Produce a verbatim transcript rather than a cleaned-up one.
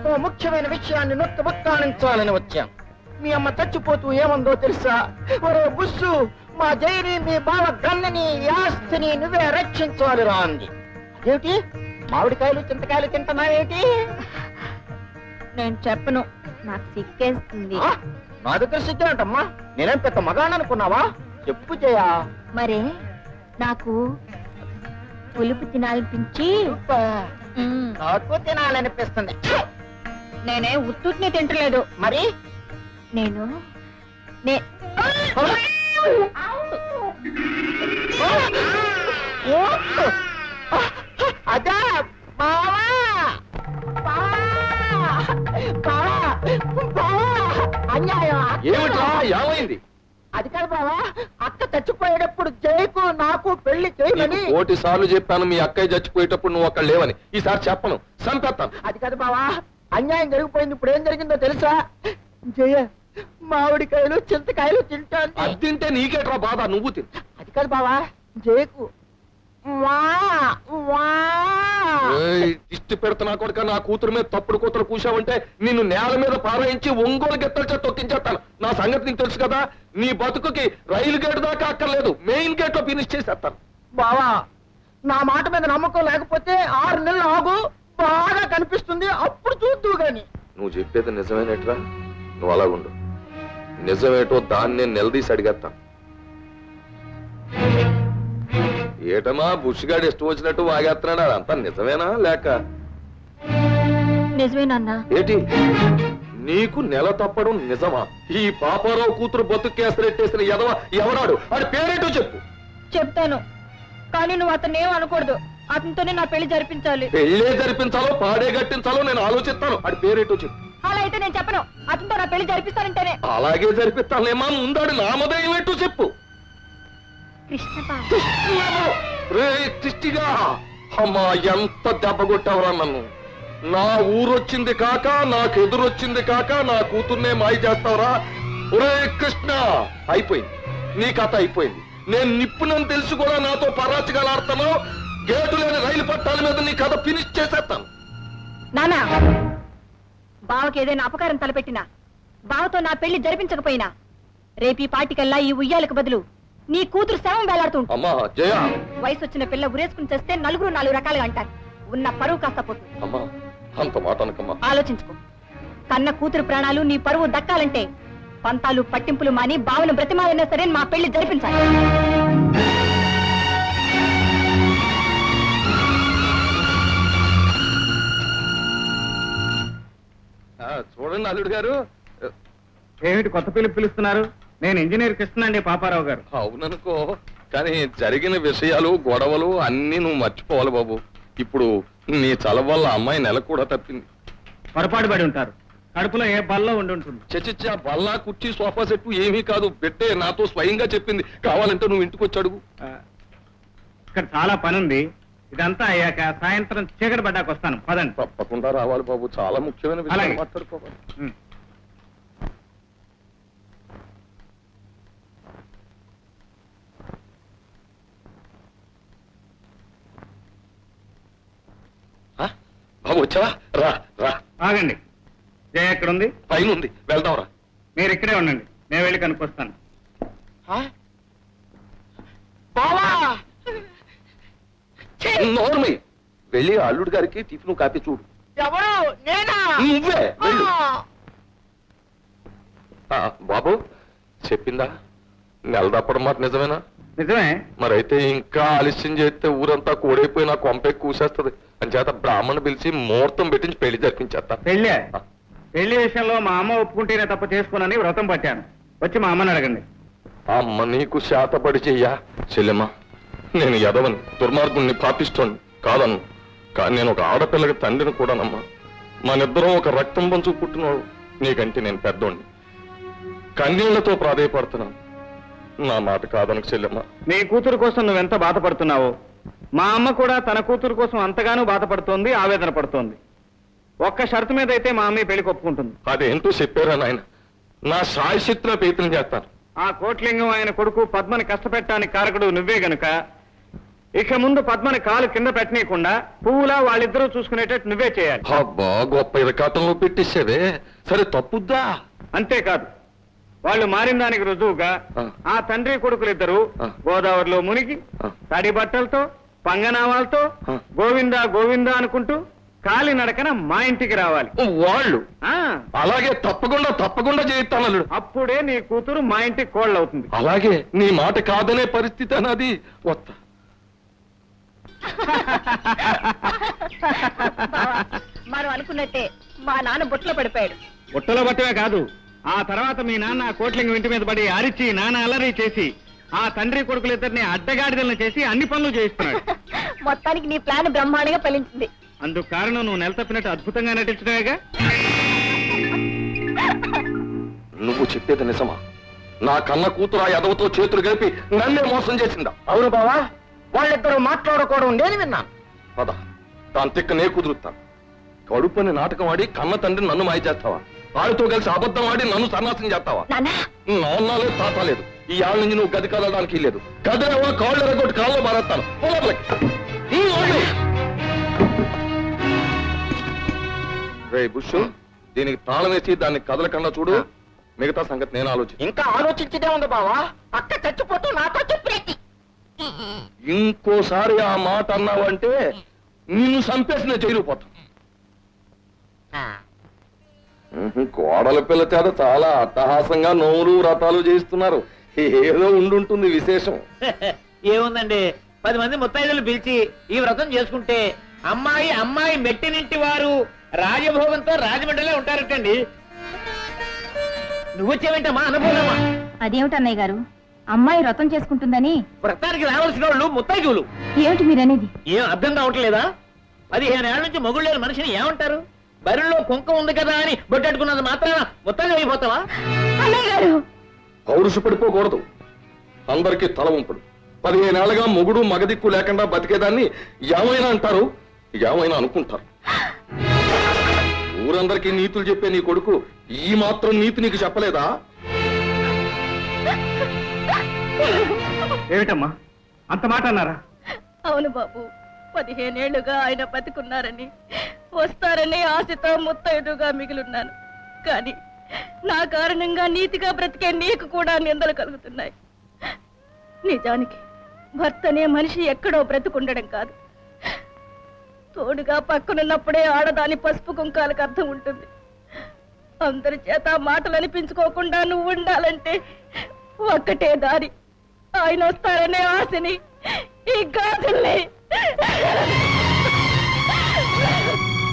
ఓ ముఖ్యమైన విషయాన్ని నొక్కి వక్కాణించాలని వచ్చాను. మీ అమ్మ చచ్చిపోతూ ఏమందో తెలుసా? ఒరే బుస్సు, మా జైని మీ బావ గన్నని ఆస్తిని నువ్వే రక్షించాలి రా అంది. అదేమిటి మామిడికాయలు చింతకాయలు తింటున్నావేటి? నేను చెప్పను, నాకు సిగ్గేస్తుంది. నా దగ్గర సిగ్గేంటమ్మా? నేనేం పెద్ద మగాణ్ అనుకున్నావా? చెప్పు చేయా. మరే నాకు పులుపు తినాలనిపించి నాకు తినాలనిపిస్తుంది. నేనే ఉత్తుని తింటలేదు. మరి నేను అదా బావా అన్యాయం. ఏమైంది? అది కాదు బావా, అక్క చచ్చిపోయేటప్పుడు జైకు నాకు పెళ్లి చేయమని కోటి సార్లు చెప్పాను. మీ అక్కయ్య చచ్చిపోయేటప్పుడు నువ్వు అక్కడ లేవని. ఈసారి చెప్పను, సంపేస్తాను. అది కాదు బావా, అన్యాయం జరిగిపోయింది. ఇప్పుడు ఏం జరిగిందో తెలుసా? జయ మామిడికాయలు చింతకాయలు తింటాను. అది తింటే నీకేట్రా బాధ, నువ్వు తిను. అది కాదు బావా, జయకు ఇష్టి పెడుతున్నా కొడుక, నా కూతురు మీద తప్పుడు కూతురు కూసావంటే నిన్ను నేల మీద పారాయించి ఒంగోలు గెత్తల చేత తొక్కించేస్తాను. నా సంగతి నీకు తెలుసు కదా. నీ బతుకుకి రైలు గేటు దాకా అక్కర్లేదు, మెయిన్ గేట్ లో ఫినిష్ చేసేస్తాను. బావా, నా మాట మీద నమ్మకం లేకపోతే ఆరు నెలలు ఆగు, బాగా కనిపిస్తుంది, అప్పుడు చూద్దు గాని. నువ్వు చెప్పేది నిజమేనేట్రా? నువ్వు అలాగుండు. నిజమేటో దాన్ని నిలదీసి అడిగేస్తాను. ఏటమా బుష్గాడు ఇష్టం వచ్చినట్టు వాగేస్తున్నాడు, అదంతా నిజమేనా లేక? నిజమేనన్నా. ఏటి నీకు నెల తప్పడం నిజమా? ఈ పాపారావు కూతురు బతుకేసరెట్టేసిన ఎదవ ఎవరాడు? అది పేరేటో చెప్పు. చెప్తాను, కానీ నువ్వు అతను ఏం అనకూడదు. అతనితోనే నా పెళ్లి జరిపించాలి. పెళ్లే జరిపించాలో పాడే గట్టించాలో నేను ఆలోచిస్తాను. అది పేరేటో చెప్పు. అలా అయితే నేను చెప్పను. అతనితో నా పెళ్లి జరిపిస్తానంటేనే. అలాగే జరిపిస్తానేమా, ముందాడు నామధేయం ఏంటో చెప్పు. కృష్ణగా అమ్మా, ఎంత దెబ్బ కొట్టావురా నన్ను. నా ఊరొచ్చింది కాక, నాకు ఎదురొచ్చింది కాక, నా కూతుర్నే మాయ చేస్తావురా. ఒరే కృష్ణ, అయిపోయింది నీ కథ, అయిపోయింది. నేను నిప్పునని తెలిసి కూడా నాతో పరాచగలాడుతాను. గేటు లేని రైలు పట్టాల మీద నీ కథ ఫినిష్ చేసేస్తాను. నానా, బావకి ఏదైనా అపకారం తలపెట్టినా, బావతో నా పెళ్లి జరిపించకపోయినా, రేపీ పాటికల్లా ఈ ఉయ్యాలకు బదులు నీ కూతురు శవం వేలాడుతుంటా. వయసు వచ్చిన పిల్ల ఉరేసుకుని చేస్తే నలుగురు నాలుగు రకాలుగా అంటారు. ఉన్న పరువు కాస్త పోతుంది. ఆలోచించుకో. కన్న కూతురు ప్రాణాలు నీ పరువు దక్కాలంటే పంతాలు పట్టింపులు మాని బావను బ్రతిమాలైనా సరే మా పెళ్లి జరిపించాలి. చూడండి అల్లుడు గారు. ఏమిటి కొత్త పిలుపు పిలుస్తున్నారు? నేను ఇంజనీర్ కృష్ణ అండి, పాపారావు గారు. అవుననుకో, కానీ జరిగిన విషయాలు గొడవలు అన్ని నువ్వు మర్చిపోవాలి బాబు. ఇప్పుడు నీ చల వల్ల అమ్మాయి నెల కూడా తప్పింది. పొరపాటు పడి ఉంటారు. కడుపులో ఏ బల్ల ఉండి ఉంటుంది. చచ్చిచ్చా బల్లా కుర్చీ సోఫా సెట్టు ఏమీ కాదు. పెట్టే నాతో స్వయంగా చెప్పింది. కావాలంటే నువ్వు ఇంటికి వచ్చి అడుగు. ఇక్కడ చాలా పని ఉంది. ఇదంతా అయ్యాక సాయంత్రం చీకటి పడ్డాక వస్తాను. పదండి. తప్పకుండా రావాలి బాబు, చాలా ముఖ్యమైన విషయం మాట్లాడుకోవాలి. బాబు వచ్చావా? రా రా. ఆగండి, జయ ఎక్కడ ఉంది? పైన ఉంది, వెళ్దాం రా. మీరు ఇక్కడే ఉండండి, నేను వెళ్ళి కనుక్కొస్తాను. నోర్మై, వెళ్ళి అల్లుడు గారికి టిఫిన్ కాపీ చూడు. నువ్వే వెళ్ళు. బాబు చెప్పిందా? నెల తప్పడం మాట నిజమేనా? నిజమే. మరైతే ఇంకా ఆలస్యం చేస్తే ఊరంతా కూడైపోయి నా కొంపే కూసేస్తుంది. అని చేత బ్రాహ్మణ్ పిలిచి ముహూర్తం పెట్టించి పెళ్లి జరిపించేస్తా. పెళ్ళే? పెళ్లి విషయంలో మా అమ్మ ఒప్పుకుంటేనే తప్ప చేసుకోనని వ్రతం పట్టాను. వచ్చి మా అమ్మని అడగండి. అమ్మ నీకు శాతపడి చెయ్యా? చెల్లెమ్మా, నేను ఎదవని, దుర్మార్గుణ్ణి, పాపిస్తోని కాదన్ను. కానీ నేను ఒక ఆడపిల్లకి తండ్రిని కూడానమ్మా. మనిద్దరం ఒక రక్తం పంచు పుట్టినవాడు. నీకంటే నేను పెద్దోడిని. కన్నీళ్లతో ప్రాధేయపడుతున్నాను. నా మాట కాదనకు చెల్లెమ్మా. నీ కూతురు కోసం నువ్వెంత బాధపడుతున్నావో మా అమ్మ కూడా తన కూతురు కోసం అంతగానూ బాధపడుతోంది, ఆవేదన పడుతోంది. ఒక్క షరతు మీద అయితే మా అమ్మ పెళ్లికి ఒప్పుకుంటుంది. అదేంటో చెప్పారా నాయన? నా సాయశక్తిలో ప్రయత్నం చేస్తాను. ఆ కోట్లింగం ఆయన కొడుకు పద్మని కష్టపెట్టడానికి కారకుడు నువ్వే గనుక ఇక ముందు పద్మని కాలు కింద పెట్టనీయకుండా పువ్వులా వాళ్ళిద్దరూ చూసుకునేటట్టు నువ్వే చేయాలి. అబ్బా గొప్ప ఇరకాటంలో పెట్టేసావే. సరే తప్పుద్దా? అంతేకాదు, వాళ్ళు మారిన దానికి రుజువుగా ఆ. ఆ తండ్రి కొడుకులిద్దరూ ఆ. గోదావరిలో మునిగి ఆ. తడి బట్టలతో పంగనామాలతో ఆ. గోవిందా గోవిందా అనుకుంటూ కాలి నడకన మా ఇంటికి రావాలి. వాళ్ళు ఆ అలాగే తప్పకుండా తప్పకుండా చేయిస్తాను అల్లుడు. అప్పుడే నీ కూతురు మా ఇంటికి కోళ్ళవుతుంది. అలాగే నీ మాట కాదనే పరిస్థితి అన్నది వస్తా. బావా, మనం అనుకున్నట్టే మా నాన్న బుట్టలో పడిపోయాడు. బుట్టలో బట్టమే కాదు, ఆ తర్వాత మీ నాన్న ఆ కోట్లింగం ఇంటి మీద పడి అరిచి నాన్న అల్లరి చేసి ఆ తండ్రి కొడుకులిద్దరిని అడ్డగాడిదలను చేసి అన్ని పనులు చేయిస్తున్నాడు. మొత్తానికి నీ ప్లాన్ బ్రహ్మాండంగా ఫలించింది. అందుకు కారణం నువ్వు నెల తప్పినట్టు అద్భుతంగా నటించడమేగా. నువ్వు చెప్పేది నిజమా? నా కన్న కూతురు ఆ ఎదవతో చేతులు కలిపి నన్నే మోసం చేసిందా? అవును బావా, వాళ్ళిద్దరూ మాట్లాడుకోవడం నేను విన్నాను. పద, దాని తిక్క నే కుదురుతాను. కడుపుని నాటకం ఆడి కన్న తండ్రి నన్ను మాయ చేస్తావా? వాడితో కలిసి అబద్ధం ఆడి నన్ను సన్నాసం చేస్తావా? నాన్న, నాన్న లేదు, తాత లేదు. ఈ ఆళ్ళ నుంచి నువ్వు గది కదలడానికి లేదు. కదలేవా కాళ్ళు ఎరగొట్టి కాళ్ళు మారేస్తాను. రే బుష్, దీనికి తాళం వేసి దాన్ని కదలకుండా చూడు. మిగతా సంగతి నేను ఆలోచించి. ఇంకా ఆలోచించదే ఉంది బావా, అక్క చచ్చిపోతూ నాతో చెప్పేది. ఇంకోసారి ఆ మాట అన్నావంటే నిన్ను చంపేసి నేను జైలు పోతాను. కోడల పిల్ల చేత చాలా అట్టహాసంగా నోములు వ్రతాలు చేయిస్తున్నారు. ఏదో ఉండుంటుంది విశేషం. ఏముందండి, పది మంది ముత్తైదులు పిలిచి ఈ వ్రతం చేసుకుంటే అమ్మాయి అమ్మాయి మెట్టినింటి వారు రాజభోగంతో రాజమండ్రిలో ఉంటారటండి. నువ్వు వచ్చావేంటమ్మా అనుభవమా? అదేమిటన్నయ్య గారు, అమ్మాయి వ్రతం చేసుకుంటుందని వ్రతానికి రావాల్సిన వాళ్ళు ముత్తైదులు. ఏమిటి మీరనేది? ఏం అర్థం కావట్లేదా? పదిహేను ఏళ్ల నుంచి మొగుడు లేని మనిషిని ఏమంటారు? బరిలో కుంకం ఉంది కదా అని బొట్టెట్టుకున్నది మాత్రాన ముత్తైదు అయిపోతావా? అన్నయ్య గారు, పౌరుషు పడిపోకూడదు. అందరికీ తల ఉంపడు. పదిహేనేళ్లగా మొగుడు మగదిక్కు లేకుండా బతికేదాన్ని ఏమైనా అంటారు, ఏమైనా అనుకుంటారు. ఊరందరికీ నీతులు చెప్పే నీ కొడుకు ఈ మాత్రం నీతి నీకు చెప్పలేదా? ఏమిటమ్మా అంత మాట అన్నారా? అవును బాబు, పదిహేనేళ్లుగా ఆయన బతికున్నారని వస్తారని ఆశతో ముత్తైదుగా మిగిలిన్నాను. కానీ నా కారణంగా నీతిగా బ్రతికే నీకు కూడా నిందలు కలుగుతున్నాయి. నిజానికి భర్తనే మనిషి ఎక్కడో బ్రతుకుండడం కాదు, తోడుగా పక్కనున్నప్పుడే ఆడదాని పసుపు కుంకాలకు అర్థం ఉంటుంది. అందరి చేత మాటలు అనిపించుకోకుండా నువ్వు ఉండాలంటే ఒక్కటే దారి. ఆయన వస్తారనే ఆశని ఈ గాజుల్ని